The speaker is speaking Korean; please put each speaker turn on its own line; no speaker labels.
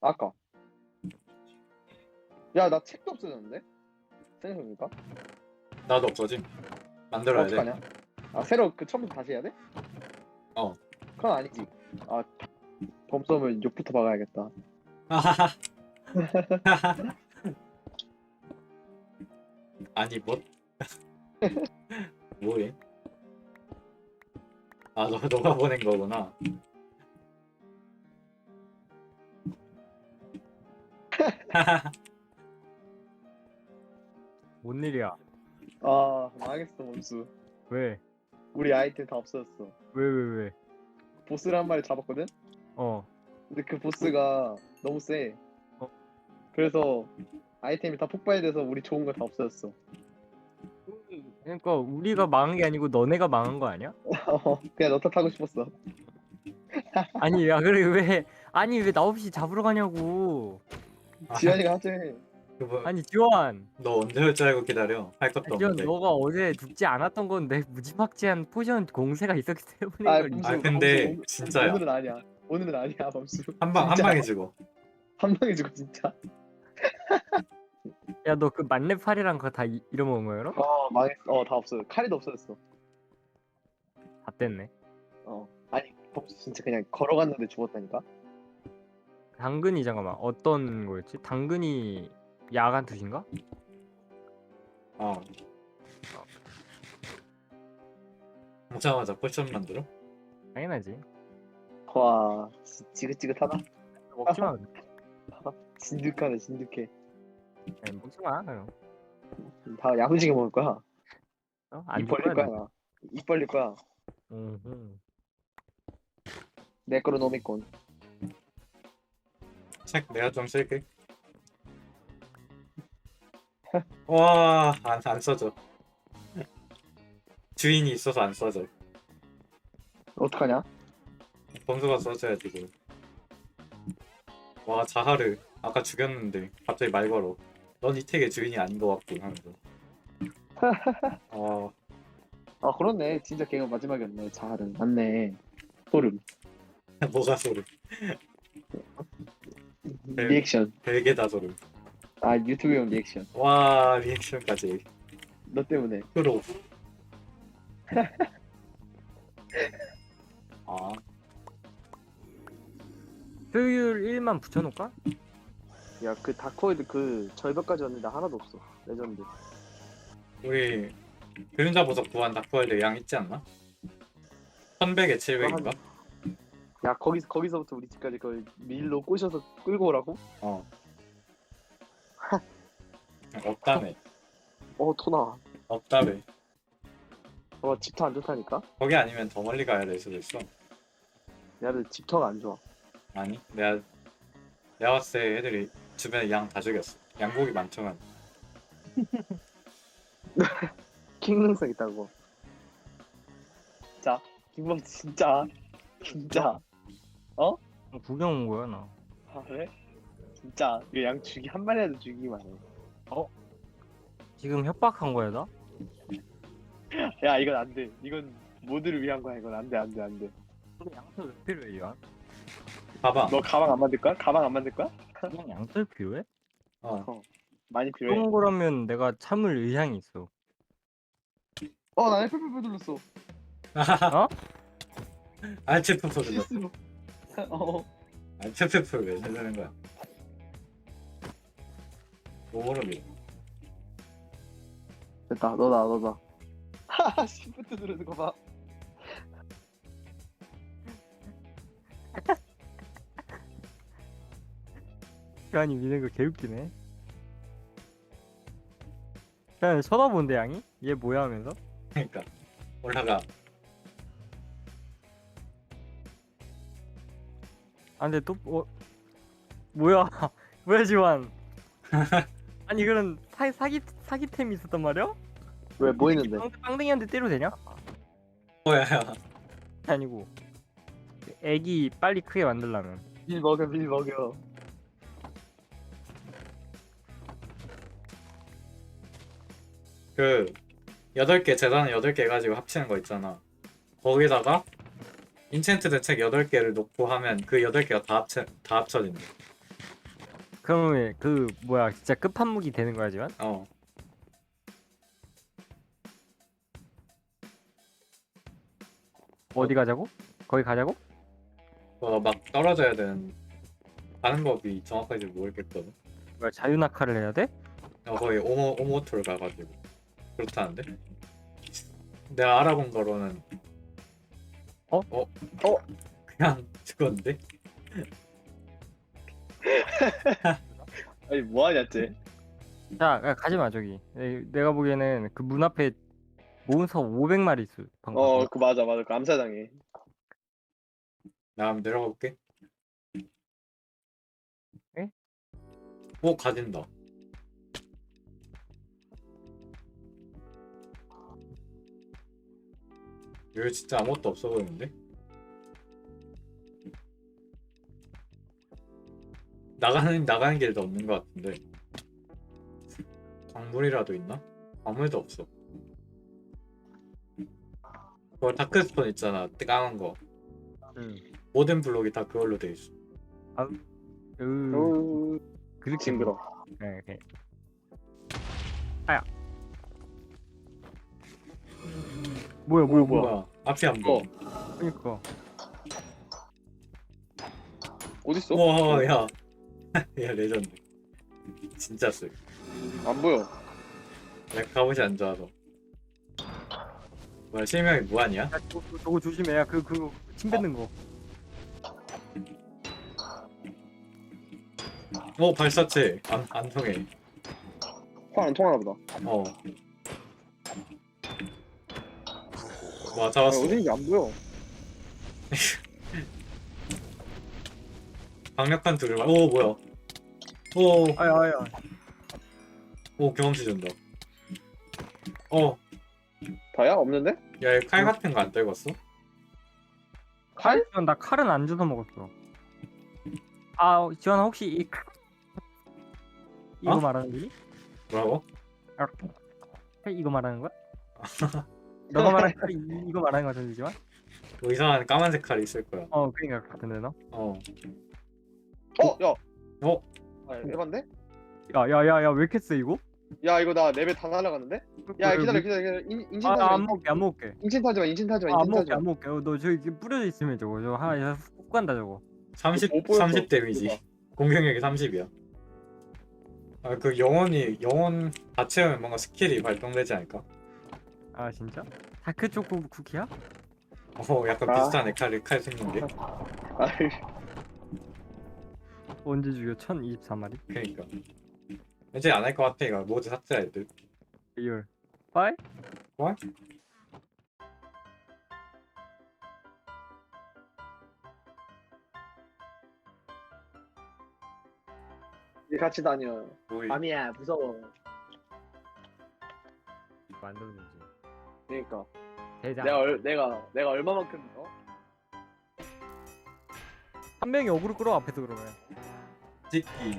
아까. 야, 나 책도 없어졌는데? 생각해보니까.
나도 없어짐. 만들어야 돼.
어떡하냐? 아, 새로 그 처음부터 다시 해야 돼?
어.
그건 아니지. 아, 범썸을 욕부터 박아야겠다.
아니 뭐? 뭐해? 아, 너가 보낸 거구나.
뭔 일이야?
아, 망했어, 범수.
왜?
우리 아이템 다 없어졌어.
왜?
보스를 한 마리 잡았거든?
어.
근데 그 보스가 너무 세.
어.
그래서 아이템이 다 폭발돼서 우리 좋은 거 다 없어졌어.
그러니까 우리가 망한 게 아니고 너네가 망한 거 아니야?
그냥 너 탓하고 싶었어.
아니 야 그래 왜? 아니 왜 나 없이 잡으러 가냐고?
지현이가 하지.
그거
아니 지원.
너 언제 올 줄 알고 기다려? 할 것도
지원
없는데.
너가 어제 죽지 않았던 건 내 무지막지한 포션 공세가 있었기 때문에
아,
그걸
범수,
아, 근데
범수,
진짜야.
오늘은 아니야. 오늘은 아니야, 범수.
한
진짜.
방에 죽어.
한 방에 죽어, 진짜.
야 너 그 만렙 팔이랑 그거 다 잃어먹은 거야 그럼?
망했어. 다 없어요. 칼이도 없어졌어.
다 뗐네.
아니, 범수 진짜 그냥 걸어갔는데 죽었다니까?
당근이 잠깐만 어떤 거였지? 당근이 야간 투신가?
어. 오자마자 포션 만들어?
당연하지.
와, 지긋지긋하다.
먹지 마.
진득하네, 진득해.
아니, 먹지 마. 그럼.
다 야무지게 먹을 거야.
안
입
줄
벌릴
거야.
거야, 나. 입 벌릴 거야. 내 거로 노미콘.
책 내가 좀 쓸게. 와, 안 써져. 주인이 있어서 안 써져.
어떡하냐?
범수가 써줘야지 그걸. 와, 자하르 아까 죽였는데 갑자기 말 걸어. 넌 이 택의 주인이 아닌 것 같군 하면서.
아, 그렇네. 진짜 걔가 마지막이었네. 자할은. 맞네. 소름.
뭐가 소름. 네.
리액션.
별개다 소름.
아, 유튜브용 리액션.
와, 리액션까지.
너 때문에.
프로. 아,
효율 1만 붙여놓을까?
야, 그 다크호이드 그 절벽까지 왔는데 하나도 없어. 레전드.
우리 그림자 보석 구한 다크월드 양 있지 않나? 1100에 700인가?
야, 거기서부터 우리 집까지 그 밀로 꼬셔서 끌고 오라고?
어. 없다며.
토나.
없다며.
집터 안 좋다니까?
거기 아니면 더 멀리 가야 될 수도 있어.
야, 근데 집터가 안 좋아.
아니, 내가 봤을 때 애들이 주변에 양 다 죽였어. 양고기 많지만.
킹능성 있다고. 진짜? 김범 진짜? 진짜?
구경 온 거야 나.
아, 그래? 진짜? 이거 양 한 마리라도 죽이기만 해.
지금 협박한 거야 나?
야, 이건 안 돼. 이건 모두를 위한 거야. 이건 안 돼, 안 돼, 안 돼.
그럼 양털 왜 필요해 이거?
봐봐.
너 가방 안 만들 거야? 가방 안 만들 거야?
그냥 양털 필요해?
많이 필요해.
그런 거라면 내가 참을 의향이 있어.
나 F8 눌렀어.
어?
알츠프 소리가.
실수로.
알츠프를 왜 쓰는 거야? 모르게.
됐다. 너다. 하하, 시프트 누르는 거 봐.
아니 미는 거 개웃기네. 그냥 쳐다본대 양이? 얘 뭐야 하면서?
그러니까 올라가.
아 근데 또 뭐야 뭐야 지환? 아니 그런 사기템이 있었단 말이야?
왜, 뭐 있는데?
빵댕이한테 때려도 되냐?
뭐야?
아니고 애기 빨리 크게 만들려면
밀 먹여.
그 8개 재단 8개 가지고 합치는 거 있잖아. 거기다가 인챈트드 책 8개를 놓고 하면 그 8개가 다 합쳐진대.
그러면 그 뭐야 진짜 끝판무기 되는 거야 지금?
어.
어디 가자고? 거기 가자고?
막 떨어져야 되는 가는 법이 정확하게 모르겠거든.
뭐야 자유낙하를 해야 돼?
거의 오모토를 가가지고 그렇다는데. 내가 알아본 거로는 그냥 죽었는데.
아니 뭐하냐 쟤.
자 가지 마 저기. 내가 보기에는 그 문 앞에 몬스터 500마리 있어 방금.
그 맞아 그 암사당해.
나 한번 내려가 볼게.
에?
오 가진다. 여기 진짜 아무것도 없어 보이는데? 나가는 길도 없는 것 같은데. 광물이라도 있나? 광물도 없어. 그거 다크스폰 있잖아, 까만 거.
응.
모든 블록이 다 그걸로 돼 있어.
그렇게
징그러.
네, 네. 뭐야
뭐야? 앞이 안 보여.
그러니까
어딨어?
우와, 야, 야 레전드. 진짜 쎄.
안 보여.
내가 갑옷이 안 좋아서. 뭐야, 실명이 무한이야?
야, 저거 조심해. 야, 그거 침 뱉는 거.
발사체 안 통해.
화 안 통하나 보다.
와, 잡았어.
어딘지 안 보여.
강력한 둘을 뭐야?
아야.
경험치 준다.
다야? 없는데?
야, 이 칼 같은 거 안 떨궜어?
칼?
나 칼은 안 주워 먹었어. 아, 지원아 혹시 이 칼... 이거
어?
말하는 거지?
뭐라고?
칼 이거 말하는 거야? 너가 말한 칼이 이거 말하는 거 같은데지만?
뭐 이상한 까만색 칼이 있을 거야.
그러니까 같은데 너?
야.
어?
아, 에반데?
야야야야 왜 이렇게 세 이거?
야 이거 나 레벨 다 날아갔는데? 야 기다려. 인신 타지 마.
안 먹게.
인신 타지 마. 인신 타지 마.
안
인신 타지
먹게
마.
안 먹게. 너 저기 뿌려져 있으면 저거 하나 훅 간다 저거.
30 데미지. 공격력이 30이야. 그 영혼 다 채우면 뭔가 스킬이 발동되지 않을까?
아 진짜? 다크 초코 쿠키야?
약간 비슷하네. 칼 생긴 게.
아이,
언제 죽여? 1024마리?
그러니까. 이제 안 할 것 같아. 이거 모두 삭제할 듯.
리얼. 빠이?
뭐?
우리 같이 다녀.
뭐이?
밤이야 무서워.
만들면 되지.
그러니까
대장.
내가 얼마만큼
한 명이 어그로 끌어 앞에서 그러면.
찍기.